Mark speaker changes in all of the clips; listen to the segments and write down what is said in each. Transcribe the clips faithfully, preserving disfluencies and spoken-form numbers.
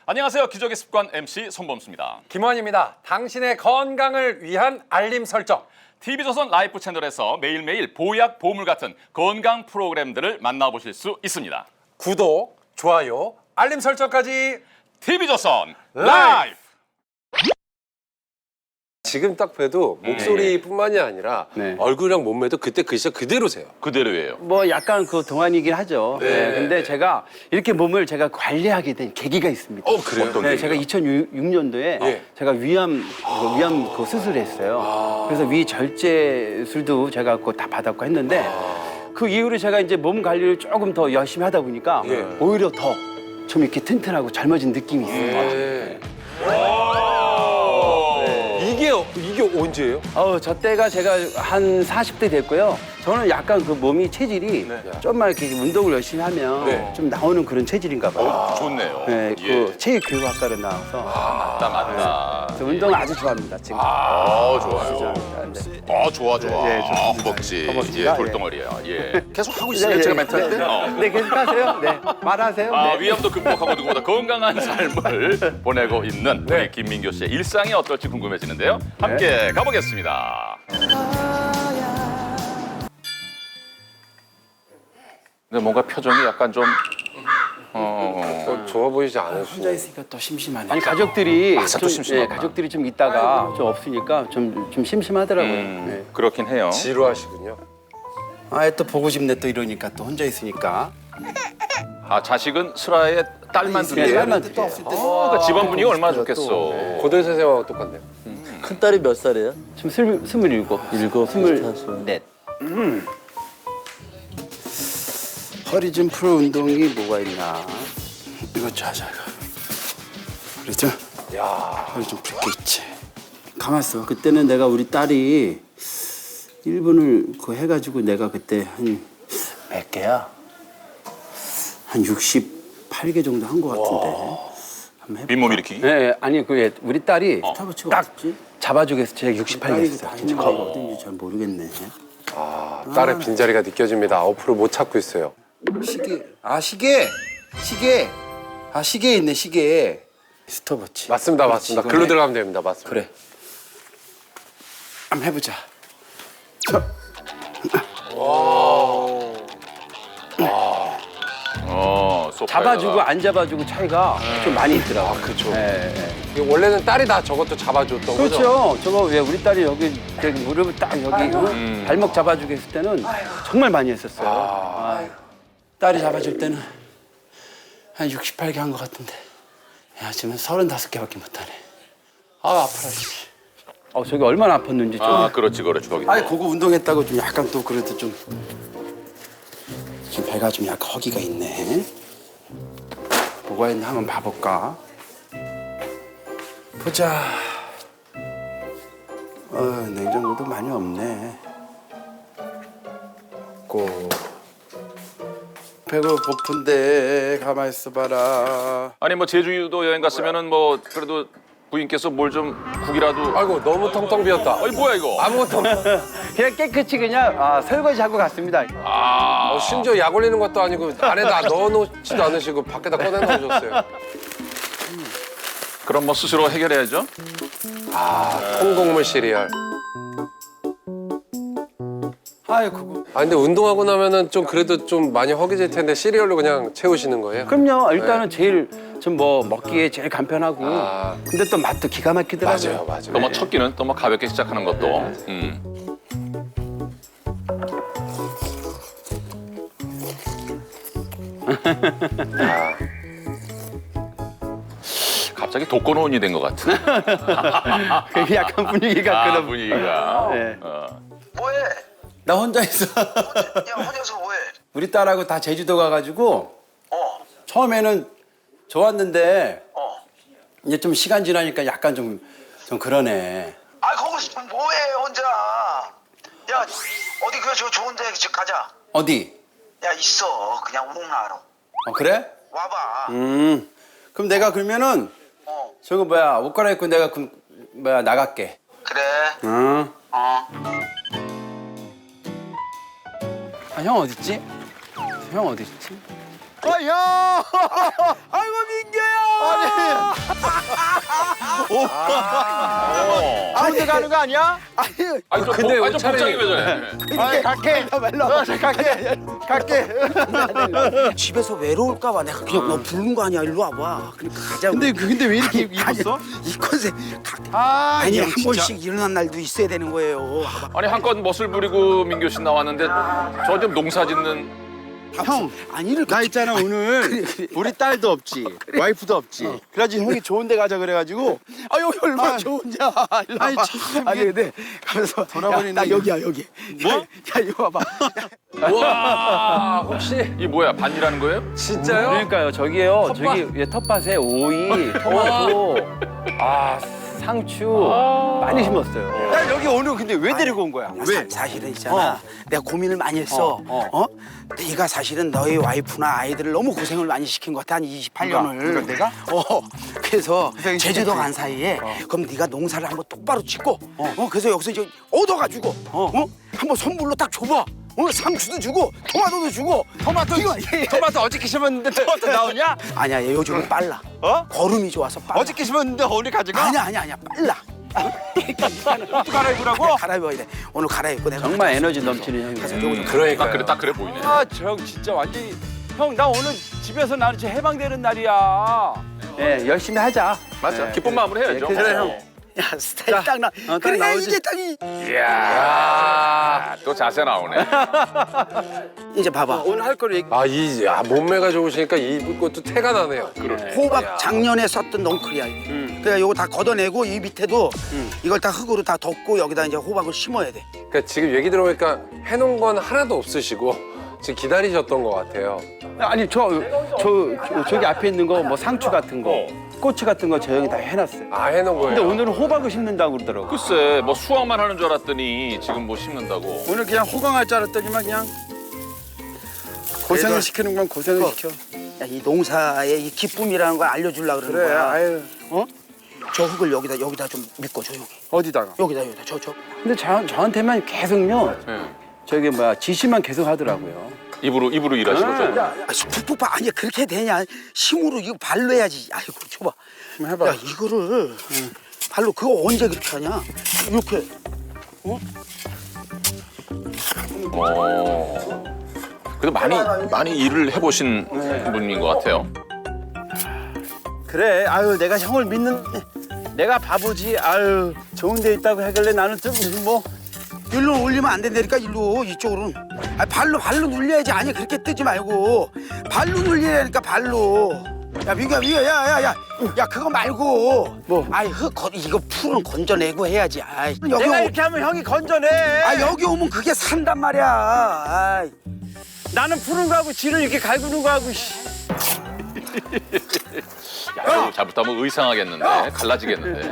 Speaker 1: 안녕하세요. 기적의 습관 엠씨 손범수입니다.
Speaker 2: 김원입니다. 당신의 건강을 위한 알림 설정.
Speaker 1: 티비조선 라이프 채널에서 매일매일 보약, 보물 같은 건강 프로그램들을 만나보실 수 있습니다.
Speaker 2: 구독, 좋아요, 알림 설정까지.
Speaker 1: 티비조선 라이프!
Speaker 3: 지금 딱 봬도 목소리뿐만이 아니라
Speaker 4: 네.
Speaker 3: 얼굴이랑 몸매도 그때 그 시절 그대로세요.
Speaker 1: 그대로예요.
Speaker 4: 뭐 약간 그 동안이긴 하죠.
Speaker 3: 네.
Speaker 4: 네. 근데 제가 이렇게 몸을 제가 관리하게 된 계기가 있습니다.
Speaker 3: 어, 그래요?
Speaker 1: 어떤
Speaker 4: 네,
Speaker 1: 계기요?
Speaker 4: 제가 이천육 년도에
Speaker 3: 예.
Speaker 4: 제가 위암 그 위암 그 수술을 했어요. 그래서 위 절제술도 제가 그거 다 받았고 했는데 그 이후로 제가 이제 몸 관리를 조금 더 열심히 하다 보니까
Speaker 3: 예.
Speaker 4: 오히려 더 좀 이렇게 튼튼하고 젊어진 느낌이 있어요.
Speaker 3: 네. 이게 이게 언제예요?
Speaker 4: 어, 저 때가 제가 한 사십 대 됐고요. 저는 약간 그 몸이 체질이 좀만 이렇게 운동을 열심히 하면
Speaker 3: 네.
Speaker 4: 좀 나오는 그런 체질인가 봐요.
Speaker 1: 어, 좋네요.
Speaker 4: 네,
Speaker 1: 예.
Speaker 4: 그 체육교육학과를 나와서
Speaker 1: 맞다, 맞다.
Speaker 4: 그래서 운동을 아주 좋아합니다, 지금.
Speaker 1: 아, 좋아요.
Speaker 4: 좋아합니다. 네.
Speaker 1: 아, 좋아, 좋아.
Speaker 4: 예,
Speaker 1: 아,
Speaker 4: 좋습니다.
Speaker 1: 허벅지.
Speaker 4: 허벅지가,
Speaker 1: 예, 돌덩어리야. 예. 계속 하고 있어요,
Speaker 4: 네,
Speaker 1: 제가
Speaker 4: 네,
Speaker 1: 멘트할 때.
Speaker 4: 네,
Speaker 1: 어.
Speaker 4: 네, 계속하세요. 네, 말하세요.
Speaker 1: 아,
Speaker 4: 네.
Speaker 1: 위암도 극복하고 누구보다 건강한 삶을 보내고 있는 우리 김민교 씨의 일상이 어떨지 궁금해지는데요. 함께 가보겠습니다. 근데 뭔가 표정이 약간 좀 어,
Speaker 3: 어, 좋아 보이지
Speaker 4: 혼자
Speaker 3: 않으시네.
Speaker 4: 있으니까 또 심심하네. 아니 가족들이
Speaker 1: 맞아, 또
Speaker 4: 좀,
Speaker 1: 심심하구나.
Speaker 4: 예, 가족들이 좀 있다가 좀 없으니까 좀 좀 심심하더라고요.
Speaker 1: 음,
Speaker 4: 네.
Speaker 1: 그렇긴 해요.
Speaker 3: 지루하시군요.
Speaker 4: 아, 또 보고 싶네 또 이러니까 또 혼자 있으니까.
Speaker 1: 아, 자식은 슬아의 딸만
Speaker 4: 네,
Speaker 1: 둘이에요?
Speaker 4: 딸만 둘이에요.
Speaker 1: 아, 그 집안 분위기가 얼마나 좋겠어.
Speaker 3: 고대 선생님하고 똑같네요.
Speaker 5: 큰 딸이 몇 살이에요?
Speaker 4: 지금 스물 스물일곱,
Speaker 5: 일곱,
Speaker 4: 스물넷. 음. 허리 좀 풀 운동이 뭐가 있나? 이거 자자. 허리 좀. 야, 허리 좀 풀 게 있지. 가만있어. 그때는 내가 우리 딸이 일 분을 그 해가지고 내가 그때 한 몇 개야? 한 육십팔 개 정도 한 것 같은데. 한번 해볼까?
Speaker 1: 윗몸 일으키기?
Speaker 4: 네, 아니 그 우리 딸이
Speaker 1: 어.
Speaker 4: 딱 잡아주기 위해서 제가 육십팔 개 했어요. 진짜 어딘지 잘 모르겠네.
Speaker 3: 아, 딸의 빈자리가 느껴집니다. 앞으로 못 찾고 있어요.
Speaker 4: 시계. 아 시계. 시계. 아 시계 있네 시계. 스톱워치.
Speaker 3: 맞습니다, 맞습니다.
Speaker 4: 이거네.
Speaker 3: 글로 들어가면 됩니다. 맞습니다.
Speaker 4: 그래. 한번 해보자. 저.
Speaker 1: 어, 소파에다가.
Speaker 4: 잡아주고 안 잡아주고 차이가 좀 많이 있더라고. 요
Speaker 3: 그렇죠.
Speaker 4: 네, 네.
Speaker 3: 이게 원래는 딸이 다 저것도 잡아줬던 거죠?
Speaker 4: 그렇죠. 저거 왜 우리 딸이 여기 저기 무릎을 딱 여기 어? 발목 잡아주게 했을 때는 정말 많이 했었어요. 아. 딸이 잡아줄 때는 한 육십팔 개 한 것 같은데. 야 지금 서른다섯 개밖에 못하네. 아 아파라. 씨. 어 저기 얼마나 아팠는지 좀.
Speaker 1: 아, 그렇지, 그렇지. 거기.
Speaker 4: 아니 그거 운동했다고 좀 약간 또 그래도 좀. 좀 배가 좀 약간 허기가 있네. 뭐가 있나 한번 봐볼까? 보자. 어, 냉장고도 많이 없네. 고. 배가 고픈데 가만 있어봐라.
Speaker 1: 아니 뭐 제주도 여행 갔으면은 뭐 그래도 부인께서 뭘 좀 국이라도.
Speaker 3: 아이고, 너무 텅텅 비었다.
Speaker 1: 아니 뭐야 이거?
Speaker 3: 아무것도 없
Speaker 4: 그냥 깨끗이 그냥 아, 설거지 하고 갔습니다.
Speaker 1: 아,
Speaker 3: 어, 심지어 약 올리는 것도 아니고 안에다 넣어놓지도 않으시고 밖에다 꺼내놓으셨어요.
Speaker 1: 그럼 뭐 스스로 해결해야죠.
Speaker 3: 아, 통곡물 시리얼.
Speaker 4: 아유 그거.
Speaker 3: 아, 근데 운동하고 나면은 좀 그래도 좀 많이 허기질 텐데 시리얼로 그냥 채우시는 거예요?
Speaker 4: 그럼요. 일단은 제일 좀 뭐 먹기에 제일 간편하고.
Speaker 3: 아.
Speaker 4: 근데 또 맛도 기가 막히더라고요.
Speaker 3: 맞아요, 맞아요.
Speaker 1: 또 뭐 첫 끼는 또 뭐 가볍게 시작하는 것도. 음.
Speaker 3: 아,
Speaker 1: 갑자기 독거노인이 된 것 같은.
Speaker 4: 그게 약간 분위기가
Speaker 1: 아,
Speaker 4: 그런.
Speaker 1: 분위기가.
Speaker 4: 네.
Speaker 1: 어.
Speaker 6: 뭐해?
Speaker 4: 나 혼자 있어.
Speaker 6: 야 혼자서 뭐해?
Speaker 4: 우리 딸하고 다 제주도 가가지고
Speaker 6: 어,
Speaker 4: 처음에는 좋았는데
Speaker 6: 어.
Speaker 4: 이제 좀 시간 지나니까 약간 좀, 좀 그러네.
Speaker 6: 아 거기서 뭐해 혼자? 야 어디 그 저 좋은데 집 가자.
Speaker 4: 어디?
Speaker 6: 야 있어 그냥 우롱나로
Speaker 4: 어, 그래?
Speaker 6: 와봐.
Speaker 4: 음. 그럼 내가 그러면은
Speaker 6: 어
Speaker 4: 저거 뭐야 옷 갈아입고 내가 그 뭐야 나갈게.
Speaker 6: 그래.
Speaker 4: 응.
Speaker 6: 어.
Speaker 4: 아, 형 어딨지? 형 어딨지?
Speaker 5: 아, 형!
Speaker 4: 아이고 민규야!
Speaker 7: 좋은데 가는 거 아니야?
Speaker 4: 아니,
Speaker 1: 아니 좀,
Speaker 3: 근데
Speaker 1: 복- 아니, 좀
Speaker 3: 차라리-
Speaker 1: 복장이 왜 저래?
Speaker 7: 아, 갈게.
Speaker 4: 말로.
Speaker 7: 어, 저 갈게. 갈게.
Speaker 4: 집에서 외로울까봐 내가 그냥 너 부른 거 아니야. 일로 와봐. 그러니까 가자고.
Speaker 7: 근데 근데 왜 이렇게
Speaker 4: 아니,
Speaker 7: 입었어?
Speaker 4: 이 컨셉. 가,
Speaker 7: 아,
Speaker 4: 아니
Speaker 7: 이
Speaker 4: 한
Speaker 7: 형 진짜.
Speaker 4: 번씩 일어난 날도 있어야 되는 거예요.
Speaker 1: 아니 한껏 멋을 부리고 민교 씨 나왔는데 저 좀 농사 짓는
Speaker 7: 형,
Speaker 4: 아니 이렇게
Speaker 7: 나 있잖아 오늘 우리 딸도 없지, 와이프도 없지. 그래가지고 형이 좋은 데 가자 그래가지고
Speaker 4: 아 여기 얼마나
Speaker 7: 아,
Speaker 4: 좋은지야. 일로
Speaker 7: 아니,
Speaker 4: 와봐.
Speaker 7: 참,
Speaker 4: 아니
Speaker 7: 이게
Speaker 4: 근데 가면서
Speaker 7: 돌아버리네,
Speaker 4: 야, 나
Speaker 7: 이거.
Speaker 4: 여기야 여기.
Speaker 7: 뭐?
Speaker 4: 야, 야 이거 봐봐.
Speaker 3: 와 혹시
Speaker 1: 이 뭐야 반이라는 거예요?
Speaker 3: 진짜요?
Speaker 8: 그러니까요. 저기요.
Speaker 3: 텃밭?
Speaker 8: 저기 예, 텃밭에 오이, 토마토, 아 상추 많이 심었어요.
Speaker 7: 나 여기 오늘 근데 왜 데리고 온 거야?
Speaker 4: 왜? 사, 사실은 있잖아. 내가 고민을 많이 했어.
Speaker 7: 어,
Speaker 4: 어, 네가 사실은 너희 와이프나 아이들을 너무 고생을 많이 시킨 것 같아. 한 이십팔 년을.
Speaker 7: 누가? 누가, 내가?
Speaker 4: 어. 그래서
Speaker 7: 고생
Speaker 4: 제주도
Speaker 7: 시켰지.
Speaker 4: 간 사이에 그럼 네가 농사를 한번 똑바로 짓고 어, 그래서 여기서 이제 얻어가지고 어, 한번 선물로 딱 줘봐. 어, 상추도 주고 토마토도 주고 토마토 이거
Speaker 7: 토마토 어저께 심었는데 토마토 나오냐?
Speaker 4: 아니야 얘 요즘은 빨라.
Speaker 7: 어?
Speaker 4: 걸음이 좋아서 빨라.
Speaker 7: 어저께 심었는데 오늘 가져가?
Speaker 4: 아니야 아니야 아니야 빨라.
Speaker 7: 또 갈아입으라고?
Speaker 4: 갈아입어야 돼. 오늘 갈아입고 내가
Speaker 8: 정말 에너지 넘치는 형이에요.
Speaker 1: 딱 그래 딱 그래 보이네.
Speaker 7: 아, 저 형 진짜 완전히 형 나 오늘 집에서 나는 진짜 해방되는 날이야.
Speaker 8: 예, 열심히 하자.
Speaker 1: 맞아. 기쁜 마음으로 해야죠.
Speaker 7: 그래, 형.
Speaker 4: 야 스타일 딱 나.
Speaker 8: 딱
Speaker 4: 그래
Speaker 8: 나오지.
Speaker 4: 이제 딱 이.
Speaker 1: 이야 또 자세 나오네.
Speaker 4: 이제 봐봐.
Speaker 7: 오늘 할 거를 얘기.
Speaker 3: 아이 아, 몸매가 좋으시니까 입을 것도 태가 나네요.
Speaker 4: 호박 작년에 썼던 넝쿨이야. 이게. 그래 요거 다 걷어내고 이 밑에도 이걸 다 흙으로 다 덮고 여기다 이제 호박을 심어야 돼.
Speaker 3: 그러니까 지금 얘기 들어보니까 해놓은 건 하나도 없으시고 지금 기다리셨던 것 같아요.
Speaker 8: 아니 저, 저, 저 저기 앞에 있는 거 뭐 상추 같은 거, 고추 같은 거 저 형이 다 해놨어요.
Speaker 3: 아 해놓은 거예요.
Speaker 8: 근데 오늘은 호박을 심는다고 그러더라고.
Speaker 1: 글쎄 뭐 수확만 하는 줄 알았더니 지금 뭐 심는다고.
Speaker 7: 오늘 그냥 호강할 줄 알았더니만 그냥 고생을 시키는 건 고생을 시켜.
Speaker 4: 야, 이 농사의 이 기쁨이라는 걸 알려주려고 그러는
Speaker 7: 그래,
Speaker 4: 거야.
Speaker 7: 아유.
Speaker 4: 어? 저 흙을 여기다 여기다 좀 믿고 조용히.
Speaker 7: 어디다가?
Speaker 4: 여기다 여기다 저 저.
Speaker 8: 근데 저, 저한테만 계속요.
Speaker 1: 네.
Speaker 8: 저기 뭐야 지시만 계속 하더라고요.
Speaker 1: 입으로 입으로 일하시고 좀.
Speaker 4: 아, 푹푹 아니 그렇게 되냐? 힘으로 이거 발로 해야지. 아이고 줘봐.
Speaker 7: 한번 해봐.
Speaker 4: 야 이거를 발로 그거 언제 그렇게 하냐? 이렇게.
Speaker 1: 어. 그래도 많이 많이 일을 해보신 분인 것 같아요.
Speaker 8: 그래, 아유 내가 형을 믿는 내가 바보지. 아유 좋은 데 있다고 하길래 나는 좀 뭐.
Speaker 4: 일로 올리면 안 된다니까 일로 이쪽으로는. 아 발로 발로 눌려야지. 아니 그렇게 뜨지 말고 발로 눌리라니까 발로. 야 민규야 민규야 야야야 야, 야 그거 말고 뭐 아이 흙 거, 이거 풀은 건져내고 해야지. 아이 여기
Speaker 8: 내가
Speaker 4: 오,
Speaker 8: 이렇게 하면 형이 건져내.
Speaker 4: 아 여기 오면 그게 산단 말이야. 아이.
Speaker 8: 나는 푸는 거하고 지를 이렇게 갈구는 거하고. 씨.
Speaker 1: 야, 이거 잘못하면 의상하겠는데 갈라지겠는데.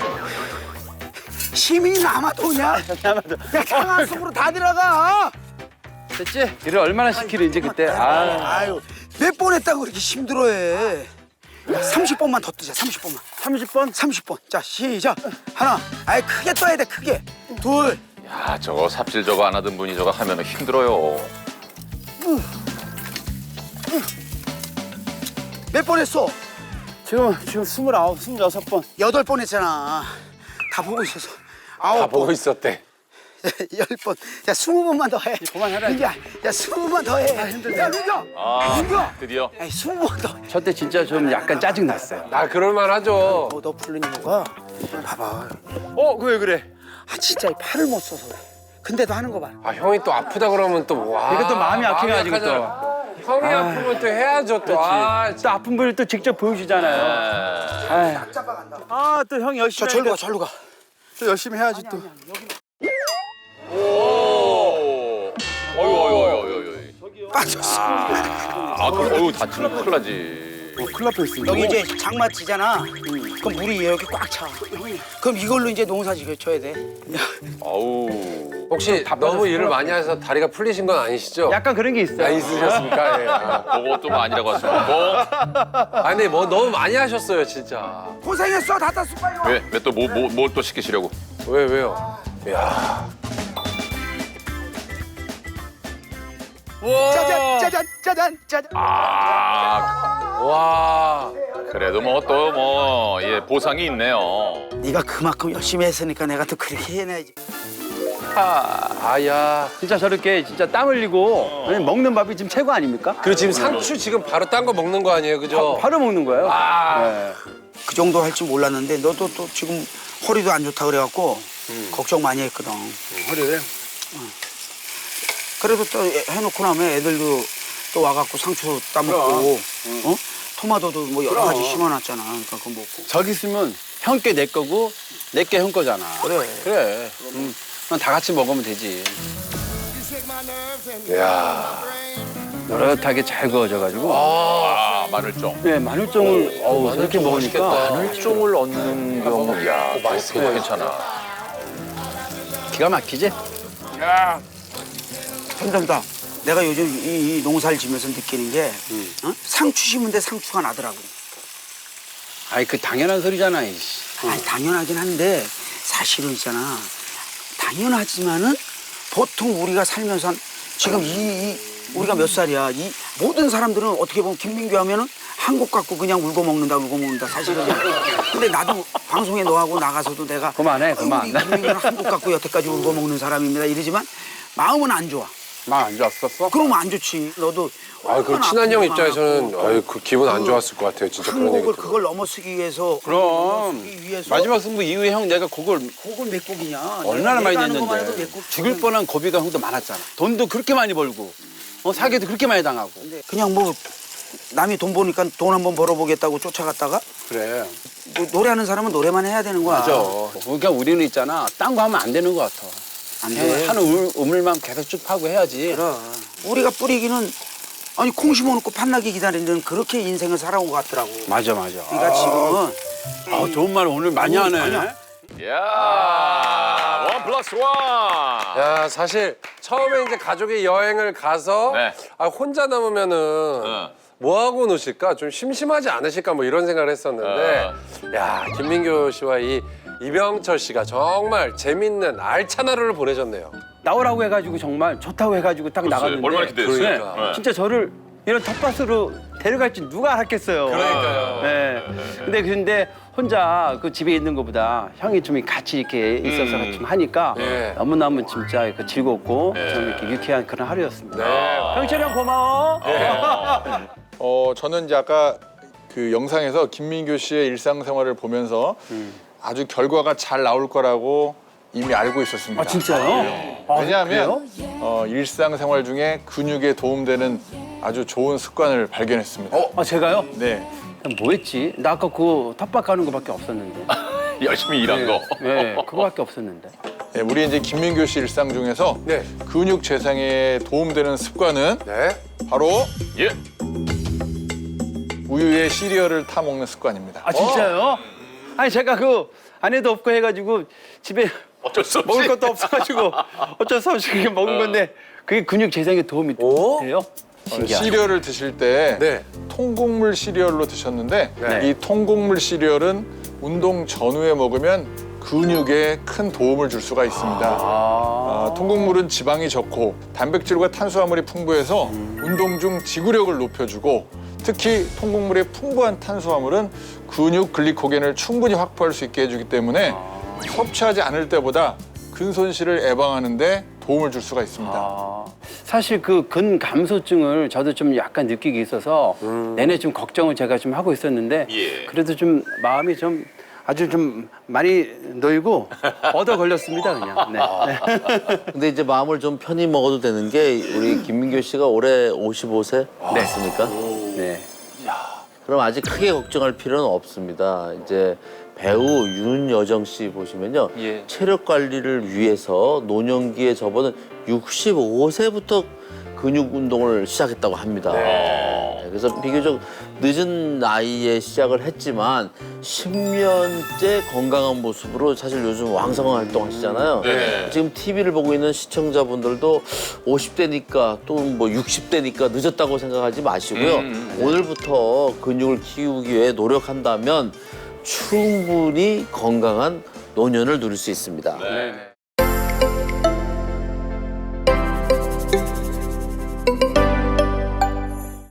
Speaker 4: 힘이 남아도냐?
Speaker 8: 남아도.
Speaker 4: 야 강한 속으로 다 들어가.
Speaker 8: 됐지? 일을 얼마나 시키는지 그때. 아,
Speaker 4: 아유 몇 번 했다고 그렇게 힘들어해. 삼십 번만 더 뜨자. 삼십 번만.
Speaker 8: 삼십 번?
Speaker 4: 삼십 번. 자 시작. 하나. 아이 크게 떠야 돼 크게. 둘.
Speaker 1: 야 저거 삽질 저거 안 하던 분이 저거 하면은 힘들어요.
Speaker 4: 몇 번 했어?
Speaker 8: 지금 지금 스물아홉, 스물여섯 번.
Speaker 4: 여덟 번 했잖아. 다 보고 있어서. 아홉
Speaker 3: 다 보고
Speaker 4: 번.
Speaker 3: 있었대.
Speaker 4: 열 번. 야 스무 번만 더 해.
Speaker 8: 그만하라.
Speaker 4: 민규야. 야 스무 번 더 해. 야 민규.
Speaker 1: 아
Speaker 4: 민규.
Speaker 1: 드디어.
Speaker 4: 야 스무 번 더.
Speaker 8: 저 때 진짜 좀 약간 짜증 났어요.
Speaker 3: 아 그럴만하죠.
Speaker 4: 어, 너 풀린 이유가 봐봐.
Speaker 7: 어, 그래 그래.
Speaker 4: 아 진짜 이 팔을 못 써서 그래. 근데도 하는 거 봐.
Speaker 3: 아 형이 또 아프다 그러면 또 와.
Speaker 8: 이게 또 마음이 약해가지고 또.
Speaker 3: 약하잖아. 형이 아프면 또 해야죠 또. 아,
Speaker 8: 또 아픈 분을 또 직접 보여주잖아요. 아, 아, 또 형이
Speaker 4: 저
Speaker 8: 열심히
Speaker 4: 절로 가
Speaker 8: 하니까.
Speaker 4: 절로 가.
Speaker 7: 또 열심히 해야지 또.
Speaker 1: 오. 어유 어유 어유 어유.
Speaker 4: 빠졌어.
Speaker 1: 아 그럼 어유 다치면 큰일 나지.
Speaker 7: 큰일 날 뻔했어.
Speaker 4: 여기 이제 장마 지잖아. 그럼 물이 여기 꽉 차. 그럼 이걸로 이제 농사 지어줘야 돼.
Speaker 1: 아우.
Speaker 3: 혹시 너무 일을 많이 해서 다리가 풀리신 건 아니시죠?
Speaker 8: 약간 그런 게 있어요.
Speaker 3: 아, 있으셨습니까? 예. 아.
Speaker 1: 그것도 뭐 아니라고 하시고.
Speaker 3: 아니 뭐 너무 많이 하셨어요 진짜.
Speaker 4: 고생했어 다 땄어 빨리 와.
Speaker 1: 왜? 왜 또 뭐 뭐 뭘 또 시키시려고?
Speaker 3: 왜 왜요? 야.
Speaker 4: 짜잔 짜잔 짜잔 짜잔.
Speaker 1: 아.
Speaker 3: 와.
Speaker 1: 그래도 뭐 또 뭐 예, 보상이 있네요.
Speaker 4: 네가 그만큼 열심히 했으니까 내가 또 그렇게 해내야지.
Speaker 3: 아야.
Speaker 8: 진짜 저렇게 진짜 땀 흘리고 먹는 밥이 지금 최고 아닙니까?
Speaker 3: 그리고 지금 상추 지금 바로 딴 거 먹는 거 아니에요, 그죠?
Speaker 8: 바로 먹는 거예요. 네.
Speaker 4: 그 정도 할 줄 몰랐는데 너도 또 지금 허리도 안 좋다 그래갖고 걱정 많이 했거든.
Speaker 3: 허리를.
Speaker 4: 그래도 또 해놓고 나면 애들도 또 와갖고 상추 따먹고 어? 토마토도 뭐 여러 가지 심어놨잖아. 그러니까 그거 먹고.
Speaker 8: 저기 있으면 형 게 내 거고 내 게 형 거잖아.
Speaker 4: 그래.
Speaker 8: 그래. 음, 그럼 다 같이 먹으면 되지.
Speaker 3: 야.
Speaker 8: 노릇하게 잘 구워져가지고.
Speaker 1: 아, 마늘종.
Speaker 8: 네, 마늘종을 어우, 저렇게
Speaker 3: 마늘종
Speaker 8: 먹으니까.
Speaker 3: 맛있겠다.
Speaker 1: 마늘종을 얻는 경우, 야, 맛있어, 괜찮아.
Speaker 8: 기가 막히지?
Speaker 4: 점점다. 내가 요즘 이, 이 농사를 지면서 느끼는 게 어? 상추 심은데 상추가 나더라고.
Speaker 8: 아이, 그 당연한 소리잖아, 이씨.
Speaker 4: 아니 당연하긴 한데 사실은 있잖아. 당연하지만은 보통 우리가 살면서 한 지금 이, 이 우리가 몇 살이야. 이 모든 사람들은 어떻게 보면 김민규 하면은 한국 갖고 그냥 울고 먹는다 울고 먹는다 사실은. 근데 나도 방송에 너하고 나가서도 내가
Speaker 8: 그만해, 그만.
Speaker 4: 우리 김민규는 한국 갖고 여태까지 울고 먹는 사람입니다 이러지만 마음은 안 좋아.
Speaker 8: 막 안 좋았었어?
Speaker 4: 그러면 안 좋지. 너도
Speaker 3: 아, 그
Speaker 4: 얼마나
Speaker 3: 친한 형
Speaker 4: 아프고
Speaker 3: 입장에서는
Speaker 4: 많았고.
Speaker 3: 아유, 그 기분 안 좋았을 것 같아요. 진짜 그런 얘기
Speaker 4: 한국을
Speaker 3: 들으면.
Speaker 4: 그걸 넘어서기 위해서
Speaker 8: 그럼.
Speaker 4: 넘어서기 위해서
Speaker 8: 마지막 승부 이후에 형 내가 그걸
Speaker 4: 곡을 몇 곡이냐.
Speaker 8: 얼마나 많이
Speaker 4: 내가 하는 것만 해도
Speaker 8: 냈는데.
Speaker 4: 몇 곡.
Speaker 8: 죽을 뻔한 고비가 형도 많았잖아. 돈도 그렇게 많이 벌고. 어, 사기도 그렇게 많이 당하고.
Speaker 4: 그냥 뭐 남이 돈 보니까 돈 한번 벌어보겠다고 쫓아갔다가
Speaker 8: 그래.
Speaker 4: 뭐 노래하는 사람은 노래만 해야 되는 거야.
Speaker 8: 맞아. 그러니까 우리는 있잖아. 딴 거 하면 안 되는 것 같아.
Speaker 4: 안
Speaker 8: 그냥
Speaker 4: 돼.
Speaker 8: 한 우물, 우물만 계속 쭉 파고 해야지.
Speaker 4: 그래. 우리가 뿌리기는 아니 콩 심어놓고 판나기 기다리는 그렇게 인생을 살아온 것 같더라고.
Speaker 8: 맞아, 맞아.
Speaker 4: 그러니까 지금은
Speaker 8: 아, 좋은 말 오늘 많이 하네.
Speaker 4: 아니야.
Speaker 1: 야, 원 플러스 원.
Speaker 3: 야, 사실 처음에 이제 가족이 여행을 가서
Speaker 1: 네.
Speaker 3: 아, 혼자 남으면은
Speaker 1: 어.
Speaker 3: 뭐 하고 노실까? 좀 심심하지 않으실까? 뭐 이런 생각을 했었는데 야, 김민교 씨와 이 이병철 씨가 정말 재밌는 알찬 하루를 보내셨네요.
Speaker 8: 나오라고 해가지고 정말 좋다고 해가지고 딱
Speaker 1: 글쎄,
Speaker 8: 나갔는데.
Speaker 1: 얼마나 기대했어요.
Speaker 3: 그러니까.
Speaker 1: 네.
Speaker 8: 진짜 저를 이런 텃밭으로 데려갈지 누가 알았겠어요.
Speaker 3: 그러니까요.
Speaker 8: 네. 근데 근데 혼자 그 집에 있는 것보다 형이 좀 같이 이렇게 있어서
Speaker 1: 음.
Speaker 8: 좀 하니까
Speaker 3: 네.
Speaker 8: 너무너무 진짜 그 즐겁고
Speaker 1: 네.
Speaker 8: 좀 이렇게 유쾌한 그런 하루였습니다.
Speaker 3: 네.
Speaker 8: 형철이 형 고마워.
Speaker 9: 어 저는 이제 아까 그 영상에서 김민교 씨의 일상생활을 보면서 아주 결과가 잘 나올 거라고 이미 알고 있었습니다.
Speaker 8: 아 진짜요? 아,
Speaker 9: 왜냐하면 어, 일상생활 중에 근육에 도움되는 아주 좋은 습관을 발견했습니다.
Speaker 8: 아 제가요?
Speaker 9: 네.
Speaker 8: 그럼 뭐 했지? 나 아까 그 텃밭 가는 거밖에 없었는데.
Speaker 1: 열심히 일한 거.
Speaker 8: 네, 그거밖에 없었는데.
Speaker 9: 네, 우리 이제 김민교 씨 일상 중에서
Speaker 3: 네.
Speaker 9: 근육 재생에 도움되는 습관은
Speaker 3: 네.
Speaker 9: 바로
Speaker 1: 예.
Speaker 9: 우유에 시리얼을 타 먹는 습관입니다.
Speaker 8: 아 진짜요? 아니 제가 그 아내도 없고 해가지고 집에
Speaker 1: 어쩔 수 없이.
Speaker 8: 먹을 것도 없어가지고 어쩔 수 없이 그게 먹은 건데 그게 근육 재생에 도움이
Speaker 3: 오?
Speaker 8: 돼요?
Speaker 9: 어, 시리얼을 드실 때
Speaker 3: 네.
Speaker 9: 통곡물 시리얼로 드셨는데
Speaker 8: 네.
Speaker 9: 이 통곡물 시리얼은 운동 전후에 먹으면 근육에 큰 도움을 줄 수가 있습니다. 아, 통곡물은 지방이 적고 단백질과 탄수화물이 풍부해서 운동 중 지구력을 높여주고 특히 통곡물의 풍부한 탄수화물은 근육 글리코겐을 충분히 확보할 수 있게 해주기 때문에 섭취하지 않을 때보다 근손실을 예방하는 데 도움을 줄 수가 있습니다.
Speaker 8: 아, 사실 그 근감소증을 저도 좀 약간 느끼기 있어서 내내 좀 걱정을 제가 좀 하고 있었는데
Speaker 1: 예.
Speaker 8: 그래도 좀 마음이 좀 아주 좀 많이 놓이고 얻어 걸렸습니다 그냥. 네. 네.
Speaker 5: 근데 이제 마음을 좀 편히 먹어도 되는 게 우리 김민교 씨가 올해 오십오 세 맞습니까?
Speaker 8: 네.
Speaker 5: 그럼 아직 크게 걱정할 필요는 없습니다. 이제 배우 윤여정 씨 보시면요.
Speaker 1: 예.
Speaker 5: 체력 관리를 위해서 노년기에 접어든 육십오 세부터 근육 운동을 시작했다고 합니다. 네, 그래서 비교적 늦은 나이에 시작을 했지만 십 년째 건강한 모습으로 사실 요즘 왕성한 활동하시잖아요.
Speaker 1: 네.
Speaker 5: 지금 티비를 보고 있는 시청자분들도 오십 대니까 또 뭐 육십 대니까 늦었다고 생각하지 마시고요.
Speaker 1: 음,
Speaker 5: 오늘부터 근육을 키우기 위해 노력한다면 충분히 건강한 노년을 누릴 수 있습니다.
Speaker 1: 네.